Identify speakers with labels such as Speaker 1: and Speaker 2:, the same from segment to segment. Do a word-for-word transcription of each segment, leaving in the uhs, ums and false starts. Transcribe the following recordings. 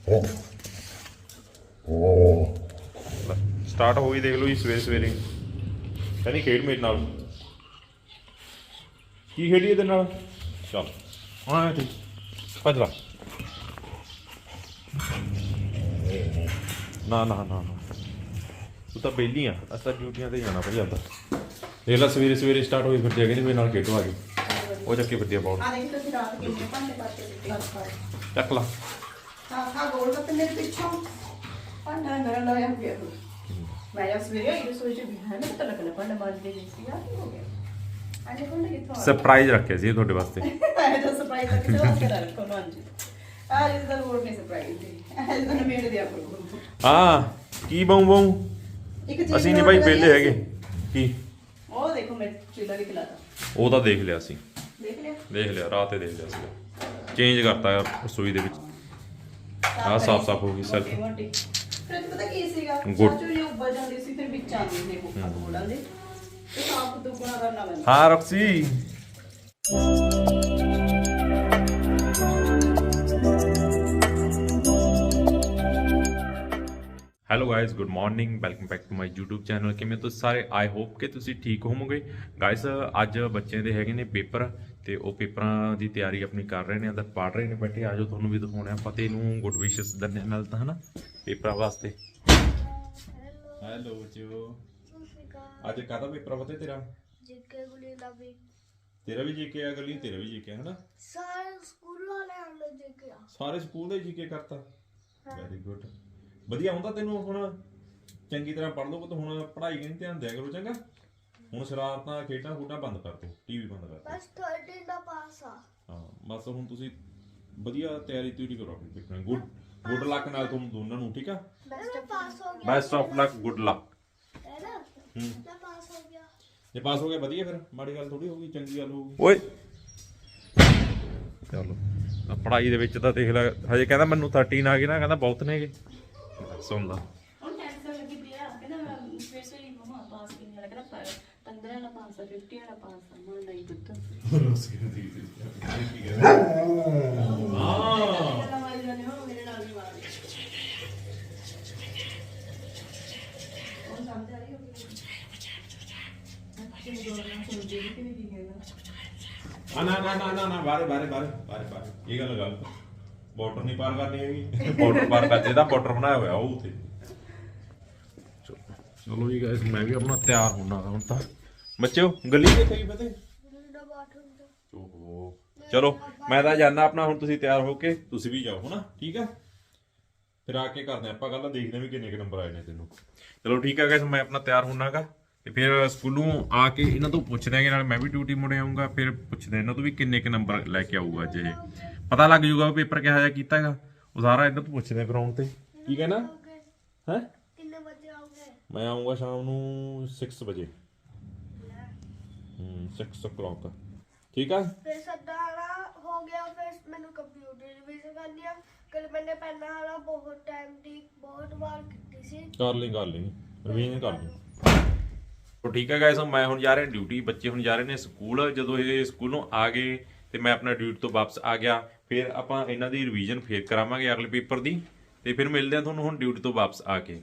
Speaker 1: Start ਹੋ ਗਈ, ਦੇਖ ਲਓ ਜੀ ਸਵੇਰੇ ਸਵੇਰੇ ਕਹਿੰਦੀ ਖੇਡ ਮੇਰੇ ਨਾਲ। ਕੀ ਖੇਡੀ ਇਹਦੇ ਨਾਲ? ਚੱਲ ਹਾਂ ਠੀਕ, ਭੱਜ ਲਾ। ਨਾ ਨਾ ਨਾ ਨਾ ਤੂੰ ਤਾਂ ਵਿਹਲੀ ਆ, ਅਸੀਂ ਤਾਂ ਡਿਊਟੀਆਂ ਤੇ ਜਾਣਾ ਭਾਈ ਆਪਦਾ। ਦੇਖ ਲਾ ਸਵੇਰੇ ਸਵੇਰੇ ਸਟਾਰਟ ਹੋਈ ਫਿਰਦੀ ਆ, ਕਹਿੰਦੀ ਮੇਰੇ ਨਾਲ ਖੇਡੋ ਆ ਗਈ। ਉਹ ਚੱਕੀ ਫਿਰਦੀ ਆ ਬਾਲ। ਚੱਕ ਲਾ। ਸਰਪ੍ਰਾਈਜ਼ ਰੱਖਿਆ ਸੀ ਤੁਹਾਡੇ ਵਾਸਤੇ। ਹਾਂ ਕੀ ਬਾਉ ਬਾਉ ਅਸੀਂ ਨਹੀਂ ਭਾਈ ਵਿਹਲੇ ਹੈਗੇ। ਕੀ
Speaker 2: ਉਹ ਦੇਖੋ ਮੈਂ ਚੀਲਾ ਵੀ ਖਿਲਾਤਾ।
Speaker 1: ਉਹ ਤਾਂ ਦੇਖ ਲਿਆ ਸੀ,
Speaker 2: ਦੇਖ ਲਿਆ
Speaker 1: ਦੇਖ ਲਿਆ ਰਾਤ ਤੇ ਦੇਖ ਲਿਆ ਸੀ। ਚੇਂਜ ਕਰਤਾ ਯਾਰ ਰਸੋਈ ਦੇ ਵਿੱਚ, ਆਹ ਸਾਫ ਸਾਫ ਹੋ ਗਈ ਸਰ।
Speaker 2: ਫਿਰ ਪਤਾ ਕੀ ਸੀਗਾ,
Speaker 1: ਗੁੱਡ।
Speaker 2: ਚਾਚੂ ਜੀ ਉੱਬਲ ਜਾਂਦੀ ਸੀ, ਫਿਰ ਵਿੱਚ ਆਉਂਦੀ ਸੀ ਕੁੱਕਾ ਬੋਲਾਂ ਦੇ ਤੇ ਸਾਫ ਦੁੱਗਣਾ ਕਰਨਾ ਪੈਂਦਾ।
Speaker 1: ਹਾਂ ਰਕਸੀ hello guys, good morning, welcome back to my YouTube channel. ਕਿਵੇਂ ਤੁਸੀਂ ਸਾਰੇ? ਆਈ ਹੋਪ ਕਿ ਤੁਸੀਂ ਠੀਕ ਹੋਵੋਗੇ। ਗਾਇਸ ਅੱਜ ਬੱਚਿਆਂ ਦੇ ਹੈਗੇ ਨੇ ਪੇਪਰ, ਤੇ ਉਹ ਪੇਪਰਾਂ ਦੀ ਤਿਆਰੀ ਆਪਣੀ ਕਰ ਰਹੇ ਨੇ, ਅੰਦਰ ਪੜ੍ਹ ਰਹੇ ਨੇ ਬੈਠੇ। ਆਜੋ ਤੁਹਾਨੂੰ ਵੀ ਦਿਖਾਉਣੇ ਆ। ਫਤਿਹ ਨੂੰ ਗੁੱਡ ਵਿਸ਼ਸ ਦਿੰਦੇ ਨਾਲ ਤਾਂ ਹਨਾ ਪੇਪਰਾਂ ਵਾਸਤੇ। ਹੈਲੋ ਜੋ ਅੱਜ ਕਾਹਦਾ ਪੇਪਰ ਆ ਫਤਿਹ ਤੇਰਾ?
Speaker 3: ਜੀਕੇ ਗੁਲੀ ਦਾ ਵੀ।
Speaker 1: ਤੇਰਾ ਵੀ ਜੀਕੇ ਆ ਗਲੀ, ਤੇਰਾ ਵੀ ਜੀਕੇ ਹਨਾ?
Speaker 3: ਸਾਰੇ ਸਕੂਲ ਵਾਲਿਆਂ ਨੇ ਜੀਕੇ ਆ।
Speaker 1: ਸਾਰੇ ਸਕੂਲ ਦੇ ਜੀਕੇ ਕਰਤਾ। ਵੈਰੀ ਗੁੱਡ, ਵਧੀਆ ਹੁੰਦਾ ਤੈਨੂੰ। ਹੁਣ ਚੰਗੀ ਤਰ੍ਹਾਂ ਪੜ੍ਹ ਲਓ ਤਾਂ ਹੁਣ ਪੜ੍ਹਾਈ ਕਨੀ ਧਿਆਨ ਦਿਆ ਕਰੋ ਚੰਗਾ। ਹੁਣ ਸ਼ਰਾਰਤਾਂ ਖੇਡਾਂ ਖੂਡਾਂ ਬੰਦ ਕਰ ਦਿਓ, ਟੀਵੀ ਬੰਦ ਕਰ ਦਿਓ।
Speaker 3: ਬਸ ਥਰਟੀ ਦਾ ਪਾਸ ਆ।
Speaker 1: ਹਾਂ ਬਸ ਹੁਣ ਤੁਸੀਂ ਵਧੀਆ ਤਿਆਰੀ ਤਿਉਰੀ ਕਰੋ ਆਪਣੀ ਪੇਪਰਾਂ ਦੀ। ਗੁੱਡ ਗੁੱਡ ਲੱਕ ਨਾਲ ਤੁਹਾਨੂੰ ਦੋਨਾਂ ਨੂੰ, ਠੀਕ ਆ?
Speaker 3: ਬੈਸਟ ਪਾਸ ਹੋ ਗਿਆ।
Speaker 1: Best of luck, good luck.
Speaker 3: ਹੈ ਨਾ?
Speaker 1: ਹੂੰ
Speaker 3: ਮੈਂ ਪਾਸ ਹੋ ਗਿਆ।
Speaker 1: ਜੇ ਪਾਸ ਹੋ ਗਿਆ ਵਧੀਆ, ਫਿਰ ਮਾੜੀ ਗੱਲ ਥੋੜੀ ਹੋਊਗੀ, ਚੰਗੀ ਗੱਲ ਹੋਊਗੀ। ਓਏ ਚਲੋ ਪੜ੍ਹਾਈ ਦੇ ਵਿੱਚ ਤਾਂ ਦੇਖ ਲੈ, ਹਜੇ ਕਹਿੰਦਾ ਮੈਨੂੰ ਥਰਟੀਨ ਆ ਗਏ ਨਾ, ਕਹਿੰਦਾ ਬਹੁਤ ਨੇਗੇ। ਸੁਣ ਲਾ
Speaker 2: ਹੁਣ ਟੈਂਸ਼ਨ ਲੱਗੀ ਪਈ ਆ, ਕਹਿੰਦਾ ਮੈਂ ਫਿਰ ਸੇ ਮਮਾ ਪਾਸ ਕਿੰਨੇ ਵਾਲਾ, ਕਹਿੰਦਾ ਪੰਦਰਾਂ ਵਾਲਾ ਪਾਸ ਆ, ਫਿਫਟੀ ਵਾਲਾ ਪਾਸ ਆ। ਮੈਂ ਨਹੀਂ ਪੁੱਤ
Speaker 1: ਹਾਂ
Speaker 2: ਮੇਰੇ ਨਾਲ ਵੀ ਮਾਰ ਉਹ ਸਮਝ ਆ ਰਹੀ ਹੋਗੀ।
Speaker 1: ਆ ਨਾ ਨਾ ਨਾ ਨਾ ਨਾ ਬਾਰੇ ਬਾਰੇ ਬਾਰੇ ਬਾਰੇ ਬਾਰੇ ਇਹ ਗੱਲ ਗੱਲ ਬਾਰਡਰ ਨਹੀਂ ਪਾਰ ਕਰਨੀ ਹੈਗੀ। ਬਾਰਡਰ ਪਾਰ ਕਰ ਜਿਹਦਾ ਬਾਰਡਰ ਬਣਾਇਆ ਹੋਇਆ ਉਹ ਉੱਥੇ। ਚਲੋ ਜੀ ਗਾਇਸ, ਮੈਂ ਵੀ ਆਪਣਾ ਤਿਆਰ ਹੋਣਾ ਹੁਣ ਤਾਂ। ਬੱਚਿਓ ਗਲੀ ਕਿੱਥੇ ਗਈ ਫਤਿਹ? ਓਹੋ ਚਲੋ ਮੈਂ ਤਾਂ ਜਾਣਾ ਆਪਣਾ, ਹੁਣ ਤੁਸੀਂ ਤਿਆਰ ਹੋ ਕੇ ਤੁਸੀਂ ਵੀ ਜਾਓ ਹਨਾ, ਠੀਕ ਆ? ਫਿਰ ਆ ਕੇ ਕਰਦੇ ਆਪਾਂ ਗੱਲ, ਦੇਖਦੇ ਵੀ ਕਿੰਨੇ ਕੁ ਨੰਬਰ ਆਏ ਨੇ ਤੈਨੂੰ। ਚਲੋ ਠੀਕ ਆ ਗਾਇਸ, ਮੈਂ ਆਪਣਾ ਤਿਆਰ ਹੋਣਾਗਾ ਤੇ ਫਿਰ ਸਕੂਲੋਂ ਆ ਕੇ ਇਹਨਾਂ ਤੋਂ ਪੁੱਛਦੇ ਆਂਗੇ, ਨਾਲ ਮੈਂ ਵੀ ਡਿਊਟੀ ਮੁੜ ਆਊਂਗਾ। ਫਿਰ ਪੁੱਛਦੇ ਇਹਨਾਂ ਤੋਂ ਵੀ ਕਿੰਨੇ ਕੁ ਨੰਬਰ ਲੈ ਕੇ ਆਊਗਾ। ਅੱਜ ਇਹ ਪਤਾ ਲੱਗ ਜੂਗਾ ਪੇਪਰ ਕਿਹੋ ਜਿਹਾ ਕੀਤਾ ਹੈਗਾ, ਉਹ ਸਾਰਾ ਇਹਨਾਂ ਤੋਂ ਪੁੱਛਦੇ ਗਰਾਊਂਡ ਤੇ। ਕੀ ਕਹਿਣਾ ਹੈ?
Speaker 3: ਕਿੰਨੇ ਵਜੇ ਆਓਗੇ?
Speaker 1: ਮੈਂ ਆਊਂਗਾ ਸ਼ਾਮ ਨੂੰ ਛੇ ਵਜੇ। ਹੂੰ ਛੇ o'clock, ਠੀਕ ਆ?
Speaker 3: ਫਿਰ ਸਦਾਰਾ ਹੋ ਗਿਆ। ਫਿਰ ਮੈਨੂੰ ਕੰਪਿਊਟਰ ਰਿਵੀਜ਼ਨ ਕਰਨੀ ਆ। ਕੱਲ ਮੈंने ਪਹਿਲਾਂ ਵਾਲਾ ਬਹੁਤ ਟਾਈਮ ਦੀ ਬਹੁਤ ਵਾਰ ਕੀਤੀ ਸੀ।
Speaker 1: ਕਰ ਲਈ ਕਰ ਲਈ ਰਿਵੀਜ਼ਨ ਕਰ ਲਈ। ਤੋ ਠੀਕ ਹੈ ਗਾਇਸ, ਮੈਂ ਹੁਣ ਜਾ ਰਿਹਾ ਡਿਊਟੀ, ਬੱਚੇ ਹੁਣ ਜਾ ਰਹੇ ਨੇ ਸਕੂਲ। ਜਦੋਂ ਇਹ ਸਕੂਲੋਂ ਆ ਗਏ ਤੇ ਮੈਂ ਆਪਣਾ ਡਿਊਟੀ ਤੋਂ ਵਾਪਸ ਆ ਗਿਆ, ਫਿਰ ਆਪਾਂ ਇਹਨਾਂ ਦੀ ਰਿਵੀਜ਼ਨ ਫੇਰ ਕਰਾਵਾਂਗੇ ਅਗਲੇ ਪੇਪਰ ਦੀ, ਤੇ ਫਿਰ ਮਿਲਦੇ ਆ ਤੁਹਾਨੂੰ ਹੁਣ ਡਿਊਟੀ ਤੋਂ ਵਾਪਸ ਆ ਕੇ।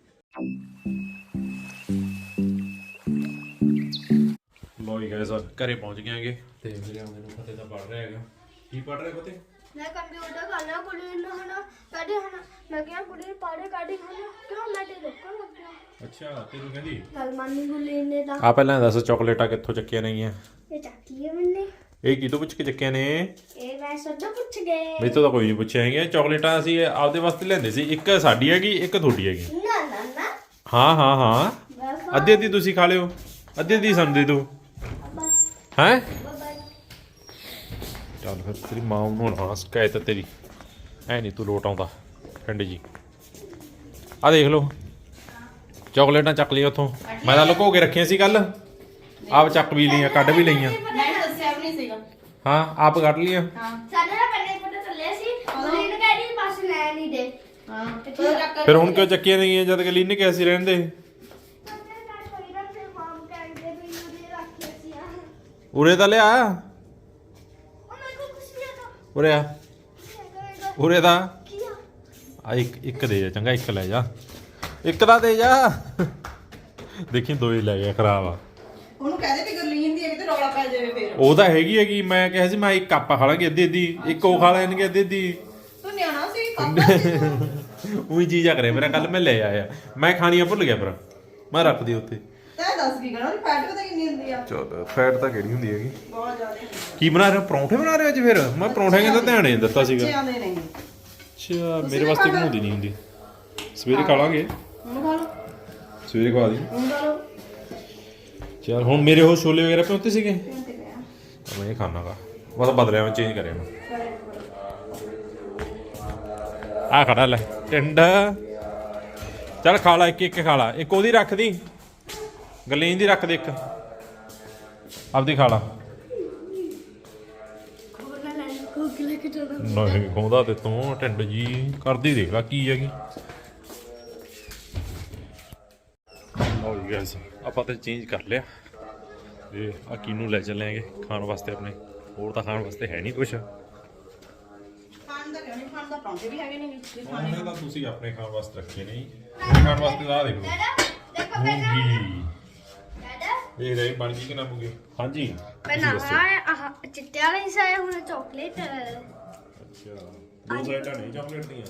Speaker 1: ਲੋ ਜੀ ਗਾਇਸ, ਘਰੇ ਪਹੁੰਚ ਗਏ ਆਂਗੇ ਤੇ ਮੇਰੇ ਆਉਂਦੇ ਨੂੰ ਫਤਿਹ ਦਾ ਪੜ ਰਿਹਾ ਹੈਗਾ। ਕੀ ਪੜ ਰਿਹਾ ਫਤਿਹ?
Speaker 3: ਮੈਂ ਕੰਪਿਊਟਰ ਕਰਨਾ ਕੁੜੀ ਨੂੰ ਹਨਾ ਕਦੇ ਹਨਾ ਮੈਂ ਕਿਹਾ ਕੁੜੀ ਨੂੰ ਪੜੇ ਕਾਢੀ ਹਨਾ ਕਿਉਂ ਮੈਂ ਤੇ ਰੋਕਣ ਲੱਗਿਆ।
Speaker 1: ਅੱਛਾ ਤੈਨੂੰ ਕਹਿੰਦੀ
Speaker 3: ਗੱਲ ਮੰਨੀ ਗੁੱਲੀ ਨੇ ਤਾਂ
Speaker 1: ਆ। ਪਹਿਲਾਂ ਦੱਸ ਚਾਕਲੇਟਾਂ ਕਿੱਥੋਂ ਚੱਕੀਆਂ ਨਹੀਂ ਆ?
Speaker 3: ਇਹ ਚੱਕੀ ਹੈ ਮੈਨੇ।
Speaker 1: ਇਹ ਕਿਤੋਂ ਪੁੱਛ ਕੇ ਚੱਕੀਆਂ ਨੇ?
Speaker 3: ਇਹ ਮੈਂ ਸੱਦਾ ਪੁੱਛ ਗਏ।
Speaker 1: ਮੇਰੇ ਤੋਂ ਤਾਂ ਕੋਈ ਨਹੀਂ ਪੁੱਛਿਆ ਹੈਗਾ। ਚਾਕਲੇਟਾਂ ਅਸੀਂ ਆਪਦੇ ਵਾਸਤੇ ਲੈਂਦੇ ਸੀ, ਇੱਕ ਸਾਡੀ ਹੈਗੀ ਇੱਕ ਤੁਹਾਡੀ ਹੈਗੀ।
Speaker 3: ਨਾ ਨਾ ਨਾ
Speaker 1: ਹਾਂ ਹਾਂ ਹਾਂ
Speaker 3: ਬਾਬਾ
Speaker 1: ਅੱਧੀ ਅੱਧੀ ਤੁਸੀਂ ਖਾ ਲਿਓ, ਅੱਧੀ ਅੱਧੀ ਸਾਨੂੰ ਦੇ ਦਿਓ।
Speaker 3: ਬਸ
Speaker 1: ਹੈਂ
Speaker 3: ਬਾਬਾ
Speaker 1: ਚੱਲ ਫਿਰ ਤੇਰੀ ਮਾਂ ਨੂੰ ਨਾ ਸ਼ਿਕਾਇਤ ਤੇਰੀ, ਐ ਨਹੀਂ ਤੂੰ ਲੋਟ ਆਉਂਦਾ ਪਿੰਡ ਜੀ। ਆ ਦੇਖ ਲਓ ਚਾਕਲੇਟਾਂ ਚੱਕ ਲਈਆਂ ਉੱਥੋਂ, ਮੈਂ ਤਾਂ ਲੁਕੋ ਕੇ ਰੱਖੀਆਂ ਸੀ ਕੱਲ, ਆਪ ਚੱਕ ਵੀ ਲਈਆਂ, ਕੱਢ ਵੀ ਲਈਆਂ।
Speaker 2: ਮੈਂ ਦੱਸਿਆ ਵੀ ਨਹੀਂ ਸੀਗਾ।
Speaker 1: ਹਾਂ ਆਪ ਕੱਢ ਲਈਆਂ।
Speaker 2: ਹਾਂ
Speaker 3: ਸਾਡੇ ਨਾਲ ਪਹਿਲੇ ਪਤਾ ਚੱਲਿਆ ਸੀ ਗੁੱਲੀ ਨੇ ਕਹਿ ਰਹੀ ਪਾਸ ਲੈ ਨਹੀਂ ਦੇ।
Speaker 2: ਹਾਂ ਤੇ ਤੂੰ ਚੱਕ
Speaker 1: ਫਿਰ ਹੁਣ ਕਿਉਂ ਚੱਕੀਆਂ ਨਹੀਂ ਜਦ ਕਿ ਲੀਨ ਕਿਹਾ ਸੀ ਰਹਿਣ ਦੇ? ਉਰੇ ਤਾਂ ਲਿਆ, ਉਰੇ ਆ, ਉਰੇ ਦਾ ਆ ਇੱਕ ਇੱਕ ਦੇ ਜਾ ਚੰਗਾ, ਇੱਕ ਲੈ ਜਾ, ਇੱਕ ਦਾ ਦੇ ਜਾ। ਦੇਖੀ ਦੋ ਹੀ ਲੈ ਗਿਆ, ਖਰਾਬ ਆ।
Speaker 4: ਉਹਨੂੰ ਕਹਦੇ ਵੀ ਗੁਰਲੀਨ ਦੀ ਹੈ ਤੇ ਰੌਲਾ ਪੈ ਜਾਵੇ ਫੇਰ।
Speaker 1: ਉਹ ਤਾਂ ਹੈਗੀ ਹੈਗੀ, ਮੈਂ ਕਿਹਾ ਸੀ ਮੈਂ ਇੱਕ ਕੱਪ ਖਾ ਲਾਂਗੇ ਅੱਧੀ ਅੱਧੀ, ਇੱਕ ਉਹ ਖਾ ਲੈਣਗੇ ਅੱਧੀ ਅੱਧੀ।
Speaker 4: ਤੂੰ ਨਿਆਣਾ ਸੀ ਪਾਪਾ ਸੀ ਤੂੰ।
Speaker 1: ਉਹੀ ਚੀਜ਼ ਆ ਕਰੇ ਮੇਰਾ, ਕੱਲ ਮੈਂ ਲੈ ਆਇਆ, ਮੈਂ ਖਾਣੀਆਂ ਭੁੱਲ ਗਿਆ ਪਰ ਮੈਂ ਰੱਖਦੀ ਉੱਥੇ।
Speaker 4: ਤੈਂ ਦੱਸ ਕੀ ਕਰਾਂ, ਉਹਦੀ ਫੈਟ ਪਤਾ ਕਿੰਨੀ ਹੁੰਦੀ ਆ?
Speaker 1: ਚਲ ਫੈਟ ਤਾਂ ਕਿਹੜੀ ਹੁੰਦੀ ਹੈਗੀ।
Speaker 4: ਬਹੁਤ ਜ਼ਿਆਦਾ ਹੁੰਦੀ
Speaker 1: ਕੀ ਬਣਾ ਰਹੇ ਹੋ, ਪਰੌਂਠੇ ਬਣਾ ਰਹੇ ਹੋ ਅੱਜ? ਫਿਰ ਮੈਂ ਪਰੌਂਠੇ ਕਹਿੰਦਾ ਧਿਆਨ ਨਹੀਂ ਦਿੱਤਾ ਸੀਗਾ।
Speaker 4: ਬੱਚੇ ਆਉਂਦੇ ਨਹੀਂ।
Speaker 1: ਅੱਛਾ, ਮੇਰੇ ਵਾਸਤੇ ਬਣਾਉਂਦੀ ਨਹੀਂ ਹੁੰਦੀ। ਸਵੇਰੇ ਖਾ ਲਾਂਗੇ,
Speaker 4: ਹੁਣ ਖਾ ਲਓ,
Speaker 1: ਸਵੇਰੇ ਖਵਾ ਦੀ।
Speaker 4: ਹੁਣ ਖਾ ਲਓ।
Speaker 1: ਚਲ ਹੁਣ ਮੇਰੇ ਉਹ ਛੋਲੇ ਵਗੈਰਾ ਪਿਉਂਤੇ ਸੀਗੇ,
Speaker 4: ਤੇ ਪਿਆ
Speaker 1: ਮੈਂ ਇਹ ਖਾਣਾਗਾ। ਮੈਂ ਤਾਂ ਬਦਲਿਆ, ਮੈਂ ਚੇਂਜ ਕਰਿਆ ਮੈਂ। ਆ ਖੜਾ ਲੈ ਟਿੰਡਾ, ਚੱਲ ਖਾ ਲਾ, ਇੱਕ ਇੱਕ ਖਾ ਲਾ। ਇੱਕ ਉਹਦੀ ਰੱਖ ਦੀ, ਗਲੀਨ ਦੀ ਰੱਖ ਦੇ, ਇੱਕ ਆਪਦੀ ਖਾ ਲਾ। ਨਹੀਂ ਖੋਦਾ ਤੇ ਤੂੰ ਟਿੰਡ ਜੀ ਕਰਦੀ, ਦੇਖ ਲਾ ਕੀ ਹੈਗੀ। ਲਓ ਜੀ ਗਾਇਸ, ਆਪਾਂ ਤਾਂ ਚੇਂਜ ਕਰ ਲਿਆ ਤੇ ਆ ਕਿਨੂੰ ਲੈ ਚੱਲਾਂਗੇ ਖਾਣ ਵਾਸਤੇ ਆਪਣੇ। ਹੋਰ ਤਾਂ ਖਾਣ ਵਾਸਤੇ ਹੈ ਨਹੀਂ ਕੁਛ।
Speaker 4: ਖਾਣ ਦਾ ਕਿਉਂ ਨਹੀਂ, ਖਾਣ ਦਾ ਪਰੌਂਠੇ ਵੀ ਹੈਗੇ ਨੇ ਜੇ ਖਾਣੇ।
Speaker 1: ਖਾਣੇ ਤਾਂ ਤੁਸੀਂ ਆਪਣੇ ਖਾਣ ਵਾਸਤੇ ਰੱਖੇ ਨਹੀਂ, ਖਾਣ ਵਾਸਤੇ ਤਾਂ ਆ ਦੇਖੋ
Speaker 3: ਦੇਖੋ
Speaker 1: ਮੂੰਗੀ।
Speaker 3: ਡੈਡਾ
Speaker 1: ਇਹ ਰਹੀ ਬਣ ਗਈ ਕਿ ਨਾ ਮੂੰਗੀ? ਹਾਂਜੀ
Speaker 3: ਪਹਿਲਾਂ ਆਹ ਚਿੱਟੇ ਵਾਲਾ ਹੀ ਸਾਇਆ, ਹੁਣ ਚਾਕਲੇਟ।
Speaker 1: ਅੱਛਾ, ਦੋ ਸਾਈਡਾਂ ਨਹੀਂ ਚਾਕਲੇਟ ਦੀਆਂ।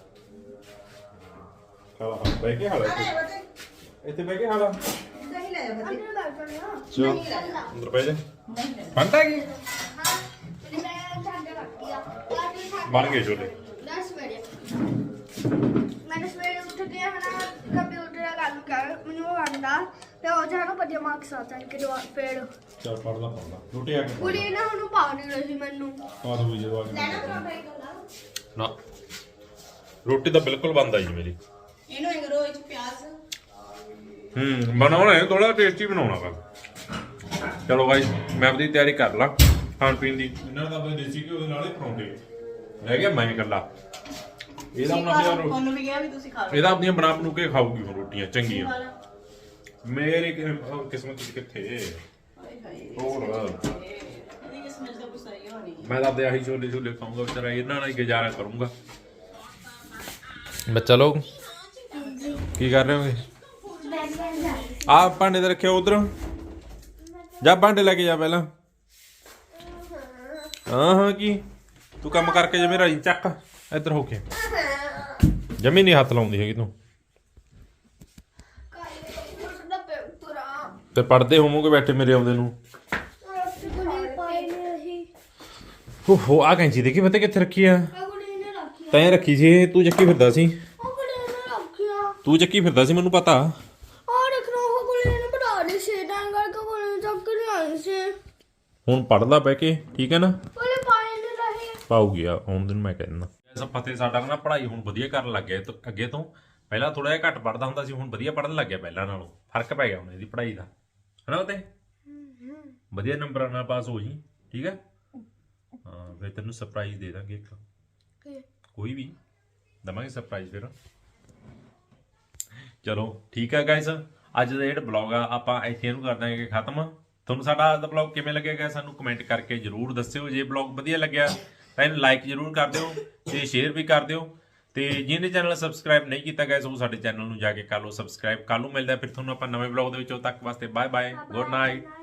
Speaker 1: ਖਾ ਲਾ, ਬਹਿ ਕੇ ਖਾ ਲਾ ਇੱਥੇ। ਇੱਥੇ ਬਹਿ ਕੇ ਖਾ ਲਾ।
Speaker 4: ਦਹੀਂ ਲੈ ਜਾ ਫਤਿਹ।
Speaker 3: ਅੰਦਰ ਲੱਗ ਜਾਣਾ।
Speaker 1: ਚਲੋ ਅੰਦਰ ਬਹਿ ਜਾ। ਫੰਟਾ ਕੀ
Speaker 3: ਹਾਂ ਤੇ ਮੈਂ ਛੱਡ ਰੱਖੀ ਆ।
Speaker 1: ਬਣ ਗਏ ਛੋਲੇ।
Speaker 3: ਦਸ ਵਜੇ ਮੈਂ ਸਵੇਰੇ ਉੱਠ ਕੇ ਹਨਾ ਕੰਪਿਊਟਰ ਦਾ ਕੰਮ ਕਰ, ਮੈਨੂੰ ਉਹ ਆਂਦਾ ਤੇ ਉਹ ਜਾਨੂੰ ਵਧੀਆ ਮਾਰਕਸ ਆ ਜਾਣ ਕਿ ਫਿਰ
Speaker 1: ਚੱਲ ਪੜ ਲਾ ਪੜ ਲਾ, ਰੋਟੀ ਆ ਕੇ ਖਾ
Speaker 3: ਕੁੜੀ ਨਾ ਉਹਨੂੰ ਪਾ ਨਹੀਂ ਰਹੀ ਮੈਨੂੰ।
Speaker 1: ਆ ਦੋ ਜਦੋਂ ਆ ਕੇ
Speaker 3: ਲੈਣਾ ਪਰੌਂਠਾ ਇੱਕ ਲਾ।
Speaker 1: ਨਾ ਰੋਟੀ ਤਾਂ ਬਿਲਕੁਲ ਬੰਦ ਆ ਜੀ ਮੇਰੀ।
Speaker 4: ਇਹਨੂੰ ਇਹ ਕਰੋ, ਇਹ ਚ ਪਿਆਜ਼
Speaker 1: ਹੂੰ ਬਣਾਉਣਾ ਹੈ, ਥੋੜਾ ਟੇਸਟੀ ਬਣਾਉਣਾ ਵਾ। ਚਲੋ ਗਾਇਸ, ਮੈਂ ਆਪਣੀ ਤਿਆਰੀ ਕਰ ਲਾਂ ਖਾਣ ਪੀਣ ਦੀ। ਇਹਨਾਂ ਦਾ ਆਪਣੇ ਦੇਸੀ ਘਿਓ ਦੇ ਨਾਲ ਹੀ ਪਰੌਂਠੇ ਰਹਿ ਗਿਆ, ਮੈਂ ਇਕੱਲਾ। ਇਹਦਾ ਹੁਣ ਆਪਣੀਆਂ ਰੋ-
Speaker 4: ਉਹਨੂੰ ਵੀ ਕਿਹਾ ਵੀ ਤੁਸੀਂ ਖਾ ਲਓ।
Speaker 1: ਇਹਦਾ ਆਪਣੀਆਂ ਬਣਾ ਬਣੂ ਕੇ ਖਾਊਗੀ ਹੁਣ ਰੋਟੀਆਂ ਚੰਗੀਆਂ।
Speaker 4: ਖਾ ਲਾ।
Speaker 1: ਮੇਰੀ ਕਿ- ਉਹ ਕਿਸਮਤ ਚ ਕਿੱਥੇ
Speaker 4: ਹਾਏ ਹਾਏ
Speaker 1: ਹੋਰ
Speaker 4: ਇਹਦੀ ਕਿਸਮਤ ਦਾ ਕੁਛ ਸਹੀ ਹੋਣੀ ਹੈ।
Speaker 1: ਮੈਂ ਤਾਂ ਆਪਦੇ ਆਹੀ ਛੋਲੇ ਛੋਲੇ ਖਾਊਂਗਾ ਵਿਚਾਰਾ, ਇਹਨਾਂ ਨਾਲ ਹੀ ਗੁਜ਼ਾਰਾ ਕਰੂੰਗਾ। ਬੱਚਾ ਲੋਕ ਕੀ ਕਰ ਰਹੇ ਹੋਗੇ? ਆ ਭਾਂਡੇ ਤੇ ਰੱਖਿਓ ਉਧਰ, ਜਾ ਭਾਂਡੇ ਲੈ ਕੇ ਜਾ ਪਹਿਲਾਂ। ਹਾਂ ਹਾਂ ਕੀ ਤੂੰ ਕੰਮ ਕਰਕੇ ਜਿਵੇਂ ਰਾਜੀ ਚੱਕ ਇੱਧਰ ਹੋ ਕੇ। ਜਮੀ ਨਹੀਂ ਹੱਥ ਲਾਉਂਦੀ ਹੈਗੀ ਤੂੰ। ਤੇ ਪੜਦੇ ਹੋਵੋਗੇ ਬੈਠੇ ਮੇਰੇ ਆਉਂਦੇ ਨੂੰ। ਓਹੋ ਆ ਕੈਂਚੀ ਦੇਖੀ ਪਤਾ ਕਿੱਥੇ ਰੱਖੀ ਆ? ਤੈਂ ਰੱਖੀ ਸੀ, ਤੂੰ ਚੱਕੀ ਫਿਰਦਾ ਸੀ। ਤੂੰ ਚੱਕੀ ਫਿਰਦਾ ਸੀ, ਮੈਨੂੰ ਪਤਾ। ਹੁਣ ਪੜ ਲਾ ਬਹਿ ਕੇ, ਠੀਕ ਹੈ ਨਾ? ਪਾਉਗੀ ਆ ਹੁਣ ਦਿਨ ਮੈਂ ਕਹਿੰਦਾ। ਐਸਾ ਫਤਿਹ ਸਾਡਾ ਨਾ ਪੜ੍ਹਾਈ ਹੁਣ ਵਧੀਆ ਕਰਨ ਲੱਗ ਗਿਆ ਅੱਗੇ ਤੋਂ। ਪਹਿਲਾਂ ਥੋੜਾ ਜਿਹਾ ਘੱਟ ਪੜਦਾ ਹੁੰਦਾ ਸੀ, ਹੁਣ ਵਧੀਆ ਪੜਨ ਲੱਗ ਗਿਆ ਪਹਿਲਾਂ ਨਾਲੋਂ। ਫਰਕ ਪੈ ਗਿਆ ਹੁਣ ਇਹਦੀ ਪੜ੍ਹਾਈ ਦਾ, ਹਨਾ? ਉਹ ਤੇ ਵਧੀਆ ਨੰਬਰਾਂ ਨਾਲ ਪਾਸ ਹੋ ਜੀ, ਠੀਕ ਹੈ? ਹਾਂ ਫਿਰ ਤੈਨੂੰ ਸਰਪ੍ਰਾਈਜ਼ ਦੇ ਦਾਂਗੇ ਇੱਕ, ਕੋਈ ਵੀ ਦਵਾਂਗੇ ਸਰਪ੍ਰਾਈਜ਼ ਫਿਰ। ਚਲੋ ਠੀਕ ਹੈ ਗਾਇਸ, ਅੱਜ ਦਾ ਜਿਹੜਾ ਬਲੌਗ ਆ ਆਪਾਂ ਇੱਥੇ ਇਹਨੂੰ ਕਰ ਦਾਂਗੇ ਖਤਮ। ਤੁਹਾਨੂੰ ਸਾਡਾ ਅੱਜ ਦਾ ਬਲੌਗ ਕਿਵੇਂ ਲੱਗੇਗਾ ਸਾਨੂੰ ਕਮੈਂਟ ਕਰਕੇ ਜ਼ਰੂਰ ਦੱਸਿਓ। ਜੇ ਬਲੌਗ ਵਧੀਆ ਲੱਗਿਆ ਤਾਂ ਇਹਨੂੰ ਲਾਈਕ ਜ਼ਰੂਰ ਕਰ ਦਿਓ ਤੇ ਸ਼ੇਅਰ ਵੀ ਕਰ ਦਿਓ। ਤੇ ਜਿਹਨੇ ਚੈਨਲ ਸਬਸਕ੍ਰਾਈਬ ਨਹੀਂ ਕੀਤਾ ਗਾਇਸ ਉਹ ਸਾਡੇ ਚੈਨਲ ਨੂੰ ਜਾ ਕੇ ਕਰ ਲਓ ਸਬਸਕ੍ਰਾਈਬ। ਕੱਲ੍ਹ ਨੂੰ ਮਿਲਦਾ ਫਿਰ ਤੁਹਾਨੂੰ ਆਪਾਂ ਨਵੇਂ ਬਲੌਗ ਦੇ ਵਿੱਚ। ਉਦੋਂ ਤੱਕ ਵਾਸਤੇ ਬਾਏ ਬਾਏ, ਗੁੱਡ ਨਾਈਟ।